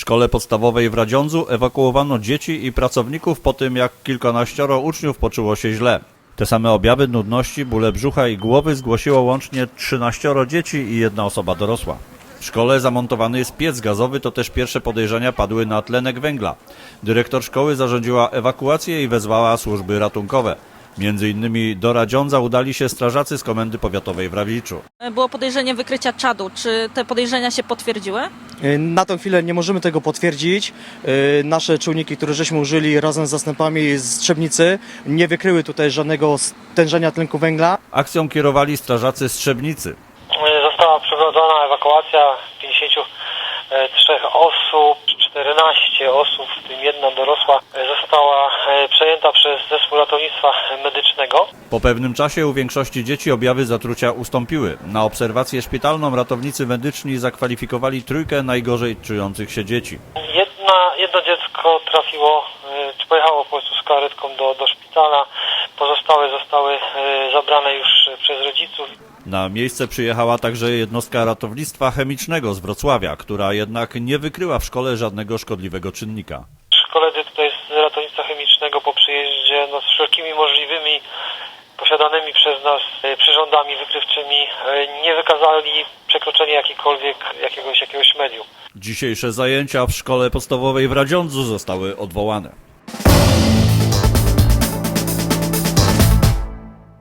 szkole podstawowej w Radziądzu ewakuowano dzieci i pracowników po tym, jak kilkanaścioro uczniów poczuło się źle. Te same objawy nudności, bóle brzucha i głowy zgłosiło łącznie 13 dzieci i jedna osoba dorosła. W szkole zamontowany jest piec gazowy, to też pierwsze podejrzenia padły na tlenek węgla. Dyrektor szkoły zarządziła ewakuację i wezwała służby ratunkowe. Między innymi do Radziądza udali się strażacy z Komendy Powiatowej w Rawiczu. Było podejrzenie wykrycia czadu. Czy te podejrzenia się potwierdziły? Na tę chwilę nie możemy tego potwierdzić. Nasze czujniki, które żeśmy użyli razem z zastępami z Trzebnicy, nie wykryły tutaj żadnego stężenia tlenku węgla. Akcją kierowali strażacy z Trzebnicy. Została przeprowadzona ewakuacja 53 osób, 14 osób, w tym jedna dorosła, została przejęta przez zespół ratownictwa medycznego. Po pewnym czasie u większości dzieci objawy zatrucia ustąpiły. Na obserwację szpitalną ratownicy medyczni zakwalifikowali trójkę najgorzej czujących się dzieci. Jedno dziecko pojechało po prostu z karetką do szpitala, pozostałe zostały zabrane już przez rodziców. Na miejsce przyjechała także jednostka ratownictwa chemicznego z Wrocławia, która jednak nie wykryła w szkole żadnego szkodliwego czynnika. Koledzy tutaj z ratownictwa chemicznego po przyjeździe z wszelkimi możliwymi posiadanymi przez nas przyrządami wykrywczymi nie wykazali przekroczenia jakiegoś medium. Dzisiejsze zajęcia w szkole podstawowej w Radziądzu zostały odwołane.